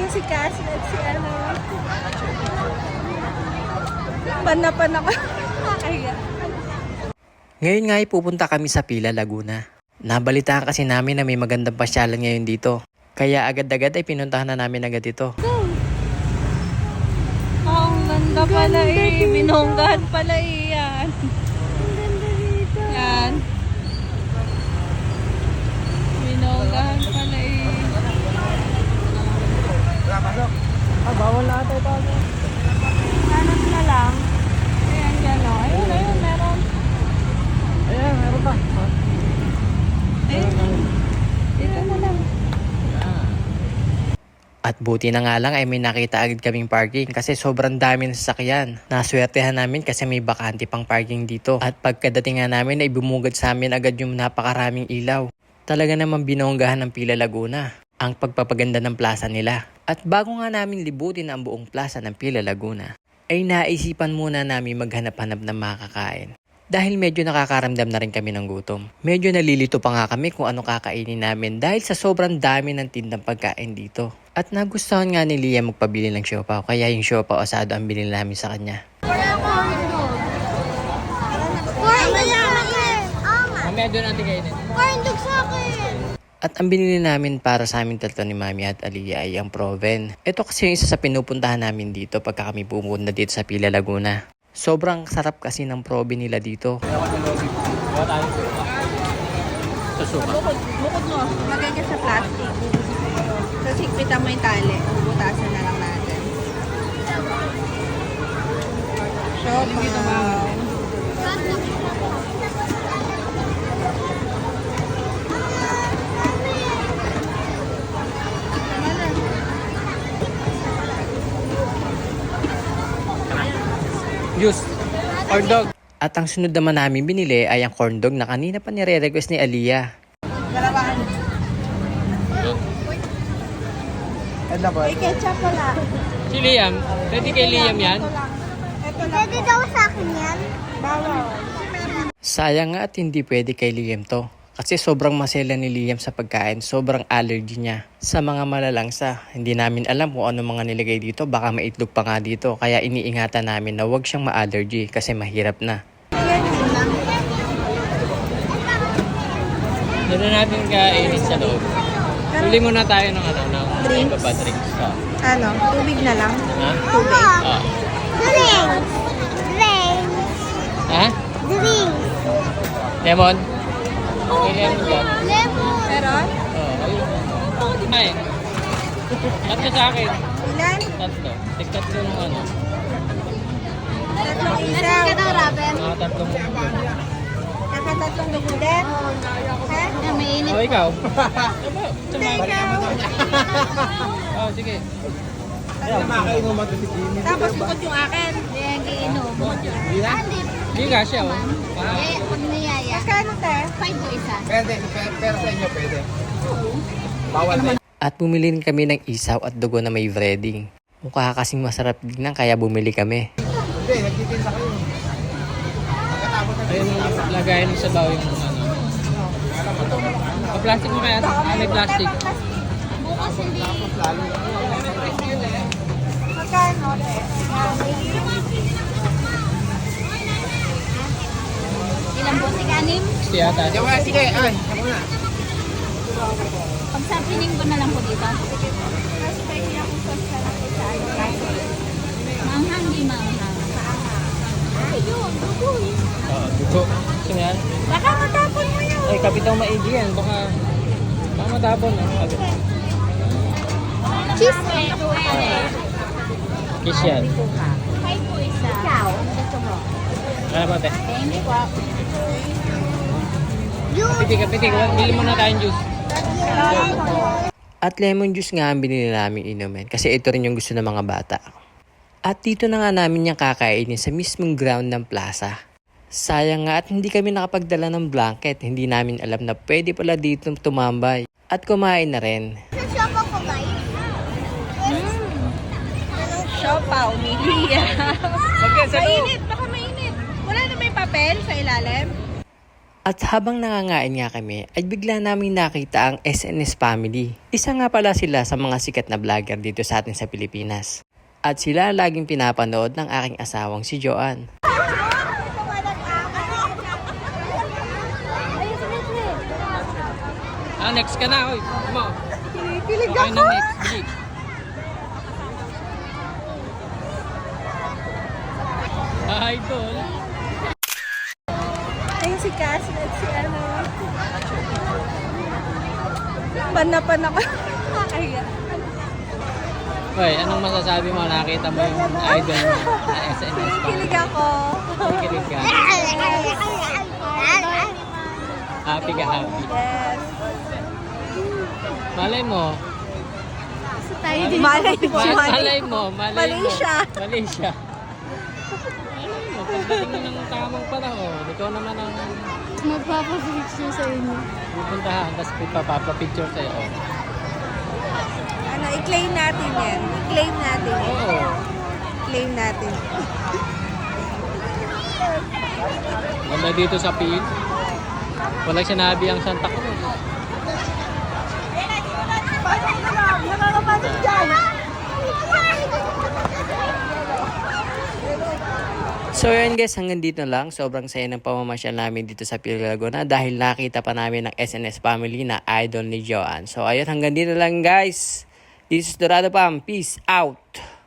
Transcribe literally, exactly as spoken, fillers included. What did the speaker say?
si Cassie at si ano. Panapan ako. Kaya. Ngayon nga ay pupunta kami sa Pila, Laguna. Nabalitaan kasi namin na may magandang pasyalan ngayon dito. Kaya agad-agad ay pinuntahan na namin agad ito. Oh, ang ganda pala eh. Binonggahan pala eh yan. Ang ganda dito. Yan. Binonggahan pala eh. Ah, bawal na ata ito. Hanap na lang. Ayan, dyan o. Ayun, ayun, meron. Ayan, meron pa. Ayun. Dito na lang. At buti na nga lang ay may nakita agad kaming parking kasi sobrang dami ng sasakyan. Naswertehan namin kasi may bakante pang parking dito. At pagkadating nga namin ay bumugad sa amin agad yung napakaraming ilaw. Talaga namang binonggahan ng Pila, Laguna ang pagpapaganda ng plaza nila. At bago nga namin libutin ang buong plaza ng Pila, Laguna, ay naisipan muna namin maghanap-hanap ng makakain. Dahil medyo nakakaramdam na rin kami ng gutom. Medyo nalilito pa nga kami kung ano kakainin namin dahil sa sobrang dami ng tindang pagkain dito. At nagustuhan nga ni Lia magpabili ng siopaw, kaya yung siopaw asado ang binili namin sa kanya. Mamaya doon natin kainin. Corndog sa akin. At ang binili namin para sa amin tatlo ni Mami at Aliyah ay ang Proven. Ito kasi yung isa sa pinupuntahan namin dito pagka kami pumunta dito sa Pila, Laguna. Sobrang sarap kasi ng Proven nila dito. Bukod, bukod mo. Lagay ka sa plastic. Tapos higpitan mo yung tali. Butasan na lang natin. Siopaw. Juice. Corn dog. At ang sunod naman namin binili ay ang corn dog na kanina pa nire-request ni Aliyah. Dalawahan. May ketchup wala. Si Liam, ready kay Liam yan? Ito lang. Pwede daw sa akin yan. Bawal. Sayang nga at hindi pwede kay Liam to. Kasi sobrang masela ni Liam sa pagkain, sobrang allergy niya sa mga malalangsa. Hindi namin alam kung ano mga nilagay dito, baka maitlog pa nga dito. Kaya iniingatan namin na huwag siyang ma-allergy kasi mahirap na. Doon na natin kainin sa loob. Huli muna tayo ng ano, ng Drinks? iba pa drinks ka. Ano? Tubig na lang? Ha? Tubig. Ah. Drinks. Drinks. Ha? Drinks. Lemon? May lemon dyan. Lemon. Meron? Oo, ayun. Ay. Tatlo sa akin. Ilan? Tatlo. Tig tatlo ng ano. Tatlong Meron isaw. ka daw, Raben? Mga tatlong Nakatatlong dugo din? Ha? Na mainit. Oh, ikaw? Hindi, ikaw. Oh, sige. Tapos bukod yung akin. Hindi, ang giinom. Hindi na? Ah, hindi. Hindi ka siya, oh. Ah. Eh, pag niyaya. Magkano te? Five po isa. Pwede, pe- pero sa inyo pwede. Bawal din. At bumili rin kami ng isaw at dugo na may breading. Mukha kasing masarap tignan kaya bumili kami. Hindi, nagtitinda kayo. Ayun, lagayin sa baw yung ano. Pa-plastic mo kaya? Ah, may plastic. Bukas hindi. Magkano te? Ilang bote kanin? Gusto yata. Sige, sige. Ay, ako na. Pag sa pining ko na lang po dito. Kasi may kinakusas na lang sa ano. Manghang, di manghang. Ayun, dugo eh. Oo, dugo. Gusto mo yan? Baka matapon mo yun. Ay, kapitang maigi yan. Baka, baka matapon. Ah. Cheese. Kiss yan. Five po isa. Ikaw, gusto mo? Ano ba, te? Thank you po. Kapiti, kapiti. Bili muna tayong juice. At lemon juice nga ang binili namin inumin kasi ito rin yung gusto ng mga bata. At dito na nga namin yung kakainin sa mismong ground ng plaza. Sayang nga at hindi kami nakapagdala ng blanket. Hindi namin alam na pwede pala dito tumambay. At kumain na rin. Sa shop ako, guys. Siopaw, Milia. Okay, Mainit, baka mainit. Wala na may papel sa ilalim? At habang nangangain nga kami, ay bigla namin nakita ang S N S Family. Isa nga pala sila sa mga sikat na vlogger dito sa atin sa Pilipinas. At sila laging pinapanood ng aking asawang si Joanne. Ah, next ka na, oy. Mo. Kilig Okay na next. Jeep. Idol. Ayun si Cass at si ano. Pan-pan ako. Kaya. Hoy, anong masasabi mo? Nakita mo yung idol mo na S N S pa. Kilig ako. Kikilig ka. Happy ka, happy. Yes. Malay mo. Tayo din. Malay mo. Malay, Malay mo. Malay mo. Malaysia. Malaysia. Malay mo. Pagdating mo ng tamang panahon, ikaw naman ang Magpapapicture sa inyo. pupuntahan, tapos ipapapapicture sa'yo. Ano, i-claim natin yan. I-claim natin. Oo. I-claim natin. Ganda dito sa pin. Walang sinabi ang Santa Cruz. Nakakapasok dyan. So yun guys, hanggang dito lang. Sobrang saya ng pamamasyal namin dito sa Pil Laguna dahil nakita pa namin ng S N S Family na idol ni Joanne. So ayun, hanggang dito lang guys. This is Dorado Pam. Peace out!